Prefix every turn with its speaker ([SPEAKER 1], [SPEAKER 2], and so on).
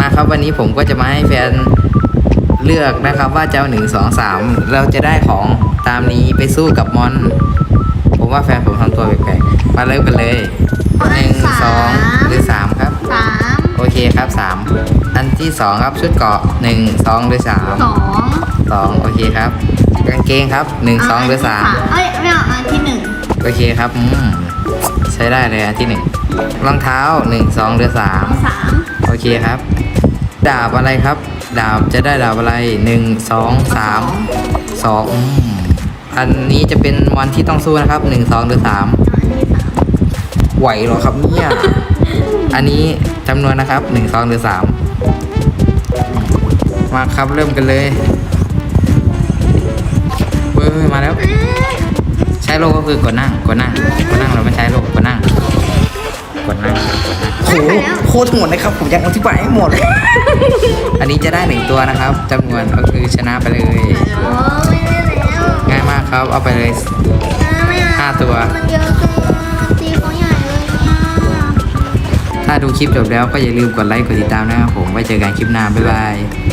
[SPEAKER 1] ครับวันนี้ผมก็จะมาให้แฟนเลือกนะครับว่าจะเอา1 2 3เราจะได้ของตามนี้ไปสู้กับมอนผมว่าแฟนผมทำตัวแปลกๆมาเริ่มกันเลย1 2หรือ3ครับ
[SPEAKER 2] 3
[SPEAKER 1] โอเคครับ3อันที่2ครับชุดเกราะ1 2หรือ3
[SPEAKER 2] 2
[SPEAKER 1] 2โอเคครับกางเกงครับ1 2หรือ3
[SPEAKER 2] เอ้ยไม่เอาอันที่
[SPEAKER 1] โอเคครับใช้ได้เลยอันที่1รองเท้า1 2หรือ3
[SPEAKER 2] 3
[SPEAKER 1] โอเคครับ ดาบอะไรครับ ดาบจะได้ดาบอะไร1 2 3 2อันนี้จะเป็นวันที่ต้องสู้นะครับ1 2หรือ3ไหวเหรอครับเนี่ย อันนี้จำนวนนะครับ1 2หรือ3มาครับเริ่มกันเลยเว้ยมาแล้ว ใช้โลก็คือกดนั่งเราไม่ใช้โลกดนั่งโอ้โหโคตรหมดเลยครับผมยังอธิบายให้หมด อันนี้จะได้1ตัวนะครับจำนวนก็คือชนะไปเลย
[SPEAKER 2] โอ้ไม่ได้แล้ว
[SPEAKER 1] ง่ายมากครับเอาไปเลย
[SPEAKER 2] ไม่เอา
[SPEAKER 1] 5 ตัว
[SPEAKER 2] มันเยอะเกินตีเขาใหญ่เลยเนี่ย
[SPEAKER 1] ถ้าดูคลิปจบแล้วก็อย่าลืมกดไลค์กดติดตามนะครับผมไว้เจอกันคลิปหน้าบ๊ายบาย